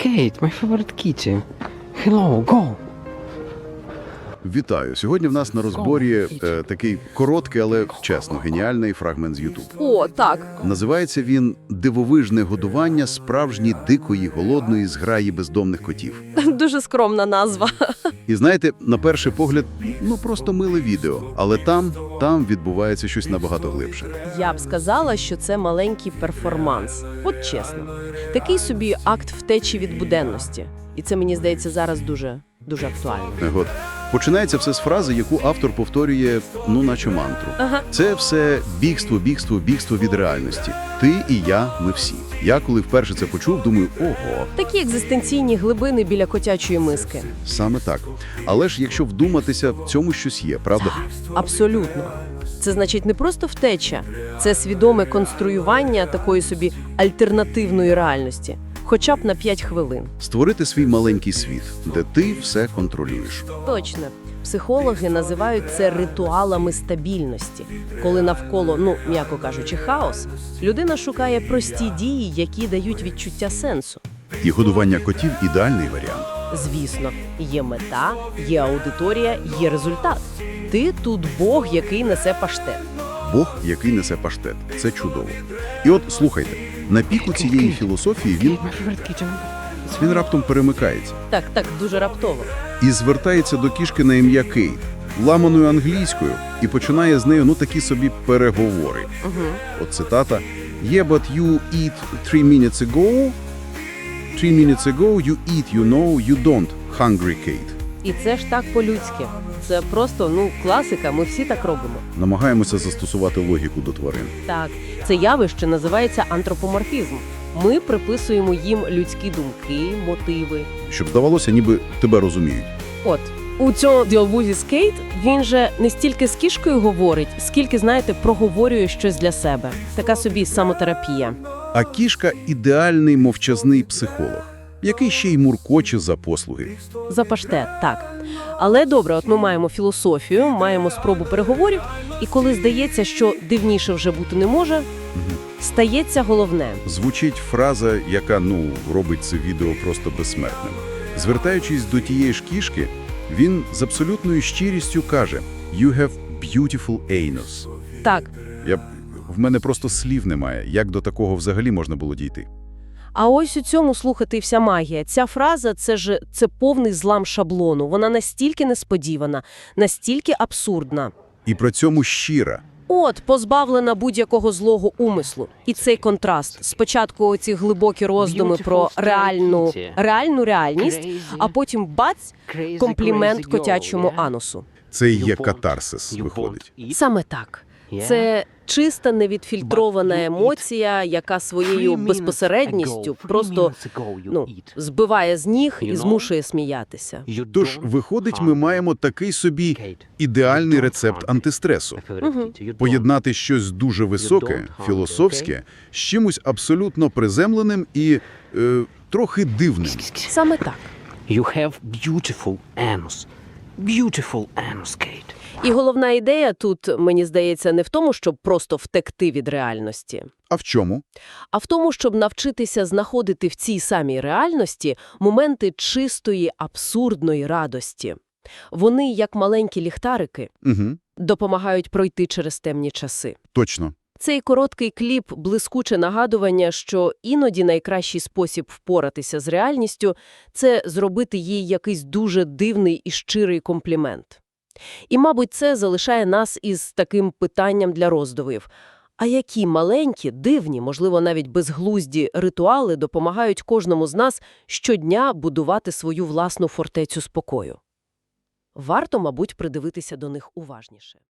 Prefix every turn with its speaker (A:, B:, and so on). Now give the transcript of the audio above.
A: Kate, my favorite kitty. Hello, go.
B: Вітаю! Сьогодні в нас на розборі такий короткий, але чесно, геніальний фрагмент з YouTube.
C: О, так.
B: Називається він «Дивовижне годування справжньої дикої, голодної зграї бездомних котів».
C: Дуже скромна назва.
B: І знаєте, на перший погляд, просто миле відео, але там відбувається щось набагато глибше.
C: Я б сказала, що це маленький перформанс. От чесно. Такий собі акт втечі від буденності. І це, мені здається, зараз дуже актуально.
B: От. Починається все з фрази, яку автор повторює, наче мантру.
C: Ага.
B: Це все бігство від реальності. Ти і я, ми всі. Я, коли вперше це почув, думаю, ого.
C: Такі екзистенційні глибини біля котячої миски.
B: Саме так. Але ж якщо вдуматися, в цьому щось є, правда?
C: Абсолютно. Це значить не просто втеча, це свідоме конструювання такої собі альтернативної реальності. Хоча б на 5 хвилин.
B: Створити свій маленький світ, де ти все контролюєш.
C: Точно. Психологи називають це ритуалами стабільності. Коли навколо, м'яко кажучи, хаос, людина шукає прості дії, які дають відчуття сенсу.
B: І годування котів – ідеальний варіант.
C: Звісно, є мета, є аудиторія, є результат. Ти тут Бог, який несе паштет.
B: Бог, який несе паштет. Це чудово. І от, слухайте, на піку цієї філософії
A: My favorite kitty.
B: він раптом перемикається.
C: Так, дуже раптово.
B: І звертається до кішки на ім'я Кейт, ламаною англійською, і починає з нею, такі собі переговори. От цитата. «Yeah, but you eat 3 minutes ago. 3 minutes ago you eat, you don't, hungry Kate».
C: І це ж так по-людськи. Це просто, класика, ми всі так робимо.
B: Намагаємося застосувати логіку до тварин.
C: Так, це явище називається антропоморфізм. Ми приписуємо їм людські думки, мотиви.
B: Щоб здавалося, ніби тебе розуміють.
C: От, у цьому діалозі з Кейт він же не стільки з кішкою говорить, скільки, знаєте, проговорює щось для себе. Така собі самотерапія.
B: А кішка – ідеальний мовчазний психолог, який ще й муркоче за послуги.
C: За паштет, так. Але добре, от ми маємо філософію, маємо спробу переговорів, і коли здається, що дивніше вже бути не може, стається головне.
B: Звучить фраза, яка, робить це відео просто безсмертним. Звертаючись до тієї ж кішки, він з абсолютною щирістю каже «You have beautiful anus».
C: Так.
B: В мене просто слів немає, як до такого взагалі можна було дійти.
C: А ось у цьому, слухайте, і вся магія. Ця фраза – це повний злам шаблону. Вона настільки несподівана, настільки абсурдна.
B: І при цьому щира.
C: От, позбавлена будь-якого злого умислу. І цей контраст. Спочатку оці глибокі роздуми про реальну реальність, а потім бац, комплімент котячому анусу.
B: Це і є катарсис, виходить.
C: Саме так. Це чиста, невідфільтрована емоція, яка своєю безпосередністю просто, збиває з ніг і змушує сміятися.
B: Тож, виходить, ми маємо такий собі ідеальний рецепт антистресу. Поєднати щось дуже високе, філософське, з чимось абсолютно приземленим і трохи дивним.
C: Саме так.
A: You have beautiful anus. Beautiful anus, Kate.
C: І головна ідея тут, мені здається, не в тому, щоб просто втекти від реальності.
B: А в чому?
C: А в тому, щоб навчитися знаходити в цій самій реальності моменти чистої, абсурдної радості. Вони, як маленькі ліхтарики, допомагають пройти через темні часи.
B: Точно.
C: Цей короткий кліп – блискуче нагадування, що іноді найкращий спосіб впоратися з реальністю – це зробити їй якийсь дуже дивний і щирий комплімент. І, мабуть, це залишає нас із таким питанням для роздумів. А які маленькі, дивні, можливо, навіть безглузді ритуали допомагають кожному з нас щодня будувати свою власну фортецю спокою? Варто, мабуть, придивитися до них уважніше.